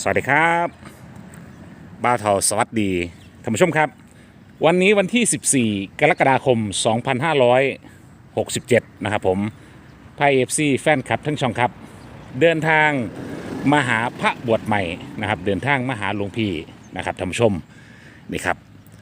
สวัสดีครับบ้าวเทาสวัสดีท่านผู้ชมครับวันนี้วันที่ 14 กรกฎาคม 2567 นะครับผมไพเอฟซีแฟนคลับทั้งช่องครับเดินทางมาหาพระบวชใหม่นะครับเดินทางมาหาหลวงพี่นะครับท่านผู้ชมนี่ครับ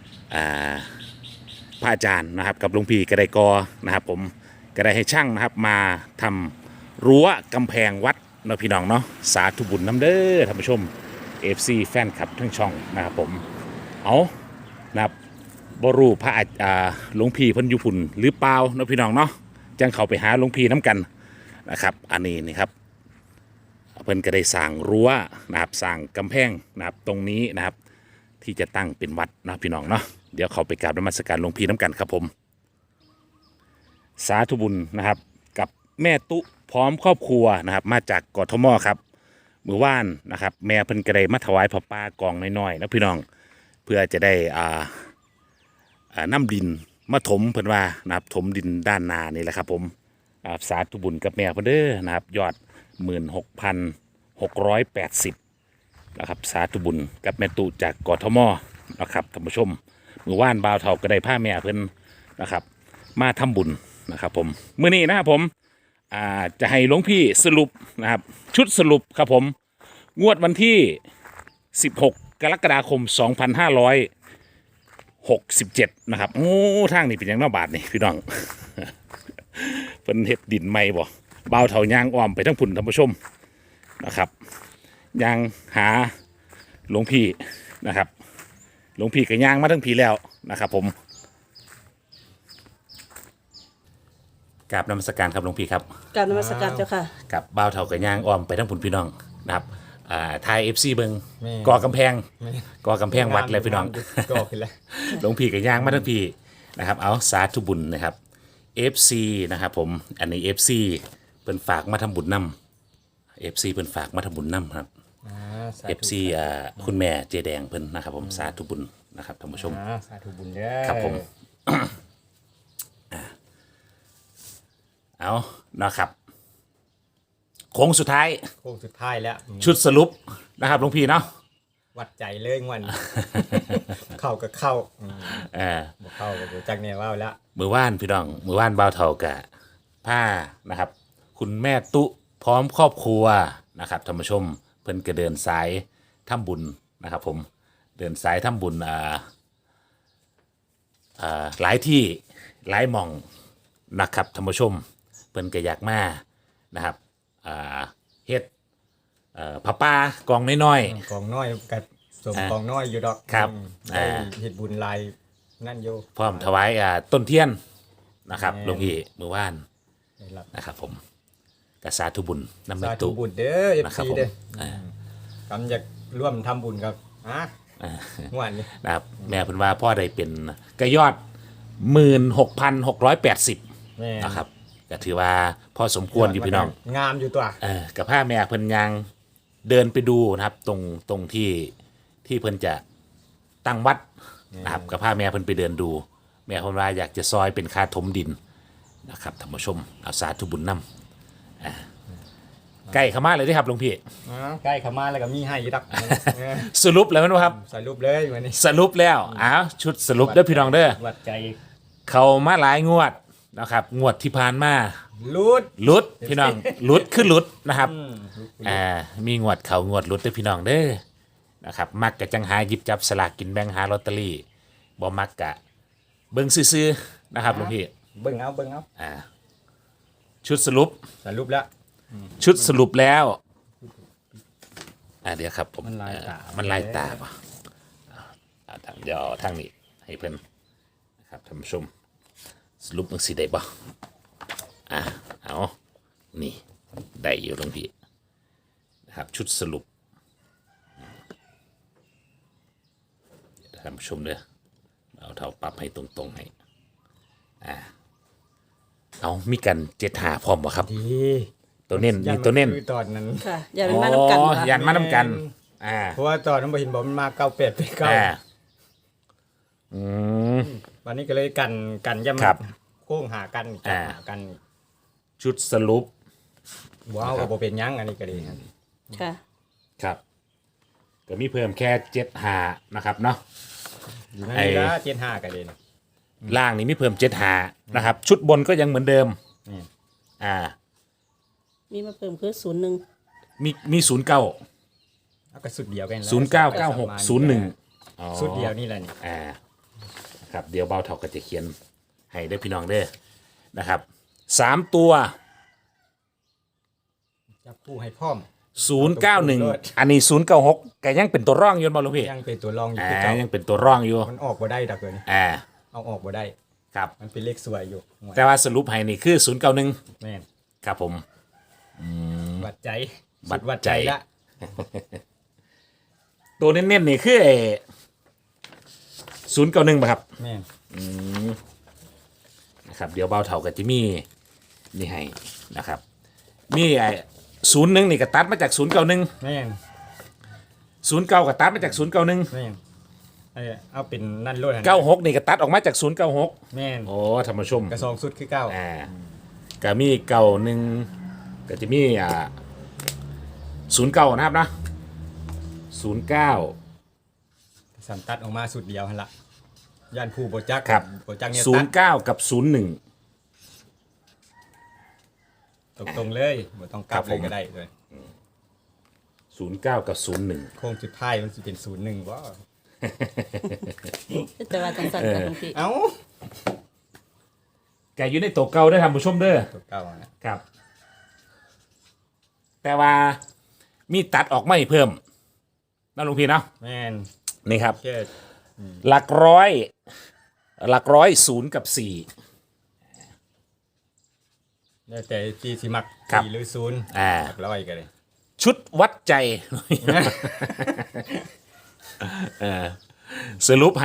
พระอาจารย์นะครับกับหลวงพี่กระไดกอนะครับผมกระไดให้ช่างนะครับมาทำรั้วกำแพงวัดเนาะพี่น้องเนาะสาธุบุญน้ำเด้อท่านผู้ชม FC แฟนคลับทั้งช่องนะครับผมเอานะครับบรูพระหลวงพี่เพิ่นอยู่พุ่นหรือเปล่าเนาะพี่น้องเนาะจังเขาไปหาหลวงพี่น้ำกันนะครับอันนี้นี่ครับเพิ่นก็ได้สร้างรั้วนะครับสร้างกำแพงนะครับตรงนี้นะครับที่จะตั้งเป็นวัดนะพี่น้องเนาะเดี๋ยวเขาไปกราบนมัสการหลวงพี่น้ำกันครับผมสาธุบุญนะครับกับแม่ตุพร้อมครอบครัวนะครับมาจากกทมครับมือว่านนะครับแม่เพิ่นก็ได้มาถวายพระป่ากองน้อยๆนะพี่น้องเพื่อจะได้น้ำดินมาถมเพิ่นว่านะครับถมดินด้านนานี่แหละครับผมสาธุบุญกับแม่เพิ่นเด้อนะครับยอด 16,680 นะครับสาธุบุญกับแม่ตุจากกทมนะครับท่านผู้ชมมือว่านบ่าวเฒ่าก็ได้ผ้าแม่เพิ่นนะครับมาทำบุญนะครับผมมื้อนี้นะครับผมจะให้หลวงพี่สรุปนะครับชุดสรุปครับผมงวดวันที่ 16 กรกฎาคม 2567 นะครับโอ้ทางนี้เป็นยังนอกบาทนี่พี่น้อง เป็นเห็ดดินไม่บ่เบาเถายางอ้อมไปทั้งพุ่นท่านผู้ชมนะครับยางหาหลวงพี่นะครับหลวงพี่ก็ยางมาทั้งพี่แล้วนะครับผมกราบนมัสการครับหลวงพี่ครับกราบนมัสการเจ้าค่ะกับบ่าวเถากับย่างอ้อมไปทั้งพุ่นพี่น้องนะครับไทย FC เบิงก่อกำแพงวัดเลยพี่น้องก่อขึ้นแล้วหลวงพี่กับย่างมาทั้งพี่นะครับเอาสาธุบุญนะครับ FC นะครับผมอันนี้ FC เพิ่นฝากมาทำบุญนำ FC เพิ่นฝากมาทำบุญนำครับ FC คุณแม่เจแดงเพิ่นนะครับผมสาธุบุญนะครับท่านผู้ชมสาธุบุญเด้อครับผมเอานะครับโค้งสุดท้ายแล้วชุดสรุปนะครับหลวงพี่เนาะวัดใจเลยงวัน เข้ากับเข้าบ่เข้ากับจักเนี่ยว่าแล้วมือว่านพี่น้องมือว่านบ่าวเฒ่ากะผ้านะครับคุณแม่ตุพร้อมครอบครัวนะครับท่านผู้ชมเพิ่นก็เดินสายทำบุญนะครับผมเดินสายทำบุญหลายที่หลายหม่องนะครับท่านผู้ชมเพิ่นก็อยากมานะครับเฮ็ดผ้าป่ากองน้อยกองน้อยกับสมกองน้อยอยู่ดอกครับเฮ็ดบุญลายนั่นอยู่พร้อมถวายต้นเทียนนะครับหลวงพี่มือว่านนะครับผมกสาธุบุญนำแม่ตุสาธุบุญเด้อ FC เด้อกำอยากร่วมทำบุญกับงวดนี้นะครับแม่เพิ่นว่าพ่อได้เป็นกระยอด 16,680 นะครับก็ถือว่าพอสมควรอยู่พี่น้องงามอยู่ตัวกับผ้าแม่เพิ่นยังเดินไปดูนะครับตรงที่เพิ่นจะตั้งวัดนะครับกับผ้าแม่เพิ่นไปเดินดูแม่เพิ่นว่าอยากจะซอยเป็นค่าถมดินนะครับท่านผู้ชมเอาสาธุบุญนำใกล้เข้ามาเลยที่ครับหลวงพี่ใกล้เข้ามาแล้วก็มีให้อยู่ดักสรุปแล้วมั้ยครับสรุปเลยวันนี้สรุปแล้วชุดสรุปเด้อพี่น้องเด้อวัดใจเขามาหลายงวดนะครับงวดที่ผ่านมาลุดพี่น้องลุดขึ้นลุดนะครับมีงวดเขางวดลุดด้วยพี่น้องเด้อนะครับมักกะจังหาหยิบจับสลากกินแบ่งหาลอตเตอรี่บ่มักกะเบิ่งซื่อๆนะครับหลวงพี่เบิ่งเอาชุดสรุปแล้วชุดสรุปแล้วเดี๋ยวครับผมมันลายตาป่ะเดี๋ยวทางนี้ให้เพิ่นนะครับท่านผู้ชมสรุปมันสิได้ป่ะเอานี่ได้อยู่หลวงพี่นะครับชุดสรุปท่านผู้ชมเด้อเอาเท่าปรับให้ตรงๆให้เอามีกัน75พร้อมบ่ครับตัวเน้นมีตัวเน้นตอนนั้นค่ะยันมาน้ำกันยันมาน้ำกันเพราะว่าตอนนั้นบ่เห็นบอกมันมา98ไป9วันนี้ก็เลยกันย่ำโค้งหากันชุดสรุปว้าวก็บ่เป็นยังอันนี้ก็ดีค่ะครับก็มีเพิ่มแค่75นะครับเนาะอยู่นั่นนี่ละ75กันเลยนะล่างนี่มีเพิ่ม75นะครับ ชุดบนก็ยังเหมือนเดิมนี่อ่ามีมาเพิ่มคือ01 มี09 เอาก็สุดเดียวกันแล้ว 099601อ๋อสุดเดียวนี่แหละนี่ครับเดี๋ยวเบาเท่าก็จะเขียนให้ได้อพี่น้องเด้อนะครับ3ตัวจับคู่ให้พร้อม 091อันนี้096ก็ยังเป็นตัวร่องอยู่บ่หลวงพี่ยังเป็นตัวรองอยู่คือเก่ายังเป็นตัวร่องอยู่มันออกบ่ได้ดักเลยนี่อ่าเอาออกบ่ได้ครับมันเป็นเลขสวยอยู่หวยแต่ว่าสรุปให้นี่คือ091 แม่นครับผมวัดใจวัดสุวัดใจใจละตัวเน้นๆนี่คือ091ป่ะครับแม่นนะครับเดี๋ยวเบาเท่ากับจิมี่นี่ให้นะครับมี01นี่ก็ตัดมาจาก091 แม่น 09ก็ตัดมาจาก091 แม่นเอาเป็นนั่นโลดหั่น 96นี่ก็ตัดออกมาจาก096 แม่นโอ้ท่านผู้ชมกระซองสุดคือเก้าก็มี91ก็จะมี09นะครับนะ09 สันตัดออกมาสุดเดียวหั่นละย่านผู้บ่จักครับบ่จักเนี่ยตัด 09กับ01 ตรงๆเลยบ่ต้องกลับครับเลผยมก็ได้เลย 09กับ01 โค้งสุดท้ายมันสิเป็น01บ่แต่ว่าจังซั่นค่ะหลวงพี่เอ้าแกอยู่ในตัวเก่าได้อท่านผู้ชมเด้อตัวเก่านะครับ แต่ว่ามีตัดออกไม่เพิ่มนั่นลุงพี่เนาะแม่นนี่ครับแค่หลักร้อย0กับ4 แล้วแต่ที่สิมักครับ 4หรือ0 อ่าหลักร้อยก็ได้ชุดวัดใจ สรุปให้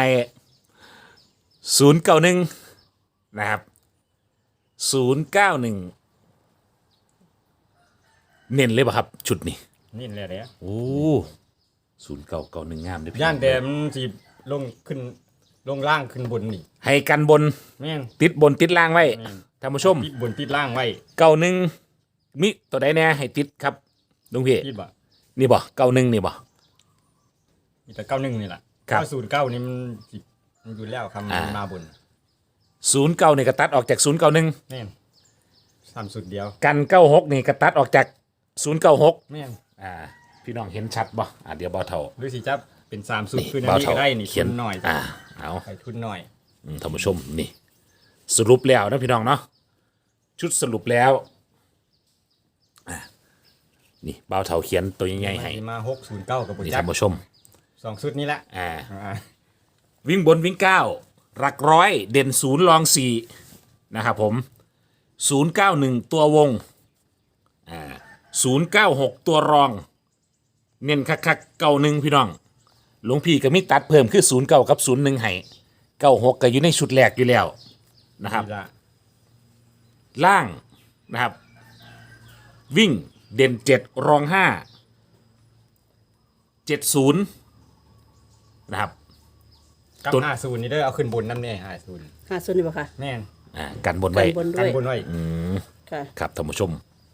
091นะครับ091เน้นเลยป่ะครับ ชุดนี้นี่แหละเนี่ยโอ้0991งามเด้อพี่ย่านแต่มันสิลงขึ้นลงล่างขึ้นบนนี่ให้กันบนแม่นติดบนติดล่างไว้แม่นท่านผู้ชมติดบนติดล่างไว้ 91มิตัวใดแน่ให้ติดครับลุงพี่ติดบ่นี่บ่91นี่บ่มีแต่91นี่ล่ะครับ 909นี่มันสิมันอยู่แล้วคำมันมาบน 09นี่ก็ตัดออกจาก091 แม่น3สุดเดียวกัน96นี่ก็ตัดออกจาก096 แม่นพี่น้องเห็นชัดบ่เดี๋ยวเบาเท่าหรือสิจับเป็น3สุดคืออันเบานี้เท่าก็ได้นี่เขีทุยนนหน่อยเอาใส่ทุนหน่อยท่านผู้ชมนี่สรุปแล้วนะพี่น้องเนาะชุดสรุปแล้วนี่เบาเท่าเขียนตัวใหญ่ๆให้มา609กับบ่นี่จับท่านผู้ชม 2สุดนี้ละอ่าอ่าวิ่งบนวิ่ง9หลักร้อยเด่น0รอง4นะครับผม091ตัววง096ตัวรองเน้นคักๆ91พี่น้องหลวงพี่ก็มีตัดเพิ่มคือ09กับ01ให้96ก็อยู่ในชุดแรกอยู่แล้วนะครับนี่ละล่างนะครับ วิ่งเด่น7รอง5 70นะครับกับตัว 50นี่เด้อเอาขึ้นบนนำแน่50 50นี่บ่ค่ะแม่นกันบนกัไว้นบนด้กัวน ยบนไว้ค่ะครับท่านผู้ชม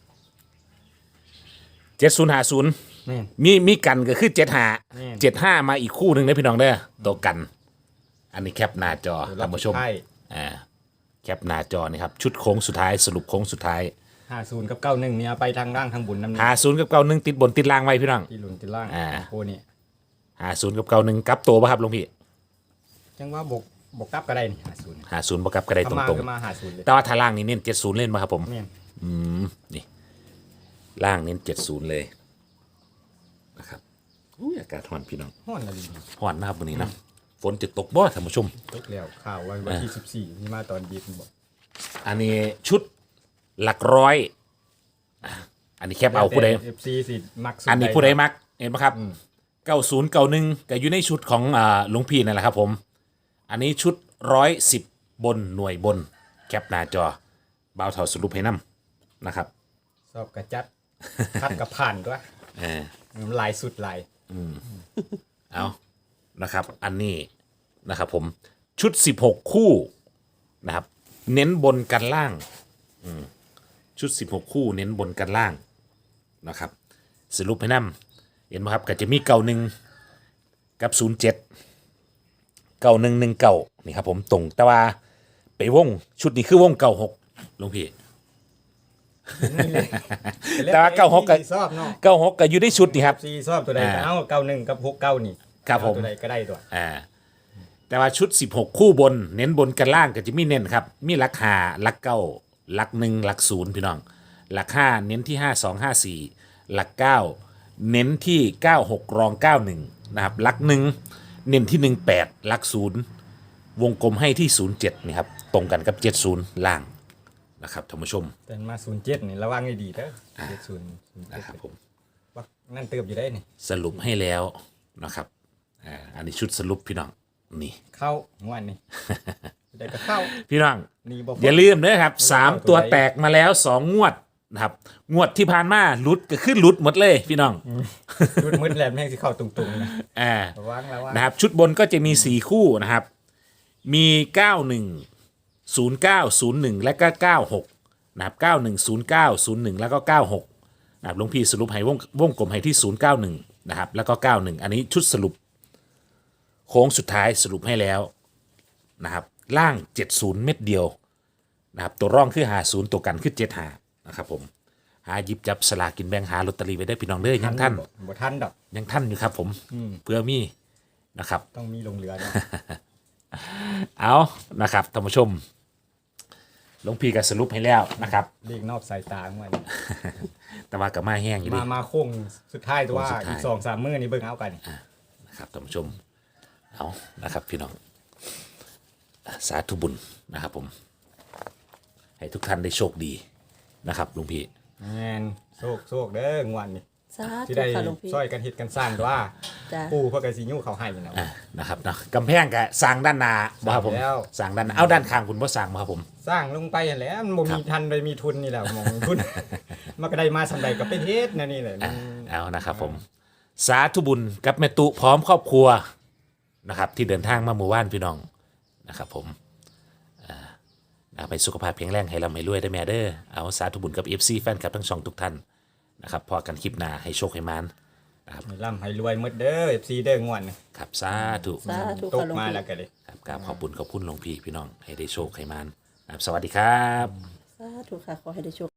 7050 แม่นมีกันก็คือ75 นี่ 75มาอีกคู่หนึ่งนะพี่น้องเด้อตัวกัน อันนี้แคปหน้าจอท่านผู้ชมใช่แคปหน้าจอนี่ครับชุดโค้งสุดท้ายสรุปโค้งสุดท้าย 50กับ91เนี่ยเอาไปทางล่างทางบนนำ 50กับ91ติดบนติดล่างไว้พี่น้องที่หลุนที่ล่างโอ้นี่ 50กับ91กลับตัวป่ะครับหลวงพี่จังว่าบกกลับก็ได้นี่50 50บ่กลับก็ได้ตถ้ามารงก็มา50เลยๆแต่ว่าถ้าล่างนี่เน้น70เล่นมาครับผมแม่นนี่ล่างเน้น70เลยนะครับอุ้ยอากาศร้อนพี่น้องฮ้อนละลิร้อนนะครับวันนี้นะฝนจะตกบ่ท่านผู้ชมตกแล้วข่าววันที่14นี่มาตอนดีคุณบอกอันนี้ชุดหลักร้อยอันนี้แคปเอาผู้ใด FC สิมักสุอันนี้ผู้ใดมักเห็นไหมครับ90 91ก็อยู่ในชุดของหลวงพี่นั่นแหละครับผม อันนี้ชุด110บนหน่วยบนแคปหน้าจอเบาเท่าสรุปให้นํนะครับสอบกระจัดคัดกับผ่านด้วยเออลายสุดลายเอานะครับ อันนี้นะครับผมชุด16คู่นะครับเน้นบนกันล่างชุด16คู่เน้นบนกันล่างนะครับสรุปให้นํเห็นไหมครับก็จะมี91 กับ079119นี่ครับผมตรงแต่ว่าไปวงชุดนี้คือวง96หลวงพี่ แต่ว่า96ก็ชอบเนาะ 96ก็อยู่ในชุดนี่ครับซีชอบตัวใดก็เอา91กับ69นี่ครับผมเอาตัวใดก็ได้ตัวแต่ว่าชุด16คู่บนเน้นบนกันล่างก็จะมีเน้นครับมีหลัก5หลัก9หลัก1หลัก0พี่น้องหลัก5เน้นที่5254หลัก9เน้นที่96รอง91นะครับหลัก1เน้นที่18หลัก0วงกลมให้ที่07นี่ครับตรงกันกับ70ล่างนะครับท่านผู้ชมแต่มา07นี่ระวังให้ดีเด้อ70 นะครับผมว่านั่นเติบอยู่ได้นี่สรุปให้แล้วนะครับอันนี้ชุดสรุปพี่น้องนี่เข้างวดนี่ ได้ก็เข้าพี่น้องนี่บ่อย่าลืมนะครับ3ตัวแตกมาแล้ว2งวดนะครับงวดที่ผ่านมาหลุดก็ขึ้นหลุดหมดเลยพี่น้องชุดมืดแหลมแม่งสิเข้าตรงๆนะอ่าระวังระวังนะครับชุดบนก็จะมี4คู่นะครับมี91 09 01และก็96นะครับ91 09 01แล้วก็96นะครับหลวงพี่สรุปให้วงกลมให้ที่091นะครับแล้วก็91อันนี้ชุดสรุปโค้งสุดท้ายสรุปให้แล้วนะครับล่าง70เม็ดเดียวนะครับตัวร่องคือ50ตัวกันคือ75นะครับผมหาหยิบจับสลากกินแบ่งหาลอตเตอรี่ไว้ได้พี่น้องเด้อยังท่านบ่ทันดอกยังท่านอยู่ครับผมเพื่อมีนะครับต้องมีลงเรือด้วยเอานะครับท่านผู้ชมหลวงพี่ก็สรุปให้แล้วนะครับเรียกนอกสายตาของมันแต่ว่ากับมาแห้งอยู่ดิมาโค้งสุดท้ายตัวว่าโค้งสุดท้ายอีก2-3 มื้อนี่เบิ่งเอากันนะครับท่านผู้ชมเอานะครับพี่น้องสาธุบุญนะครับผมให้ทุกท่านได้โชคดีนะครับหลวงพี่แม่นโชคเด้องวดนี่สาที่ธุได้ค่ะหลวงพี่ช่วยกันเฮ็ดกันสร้างตัวว่าจ้าปู่เพิ่นก็สิยู่เขาให้นะนะครับเนาะกำแพงก็สร้างด้านหน้าบ่ครับผมสร้างแล้วสร้างด้านหน้าเอาด้านข้างคุณบ่สร้างบ่ครับผมสร้างลงไปนั่นแหละมันบ่มีทันเลยมีทุนนี่แหละหมองทุน มันก็ได้มาสำใดก็เป็นเฮ็ดนะนี่แหละมันเอานะครับผมสาธุบุญกับแม่ตุพร้อมครอบครัวนะครับที่เดินทางมาหมู่บ้านพี่น้องนะครับผมเอาไปสุขภาพแข็งแรงให้ร่ำให้รวยได้แม่เด้อเอาสาธุบุญกับ FC แฟนคลับทั้งช่องทุกท่านนะครับพอกันคลิปหน้าให้โชคให้มานให้ร่ำให้รวยหมดเด้อ FC เด้องวดนี่ครับสาธุสาธุตค่ะกหลวงมาพี่แล้วก็เลยครับกราบขอบคุณหลวงพี่น้องให้ได้โชคให้มานครับสวัสดีครับสาธุค่ะขอให้ได้โชค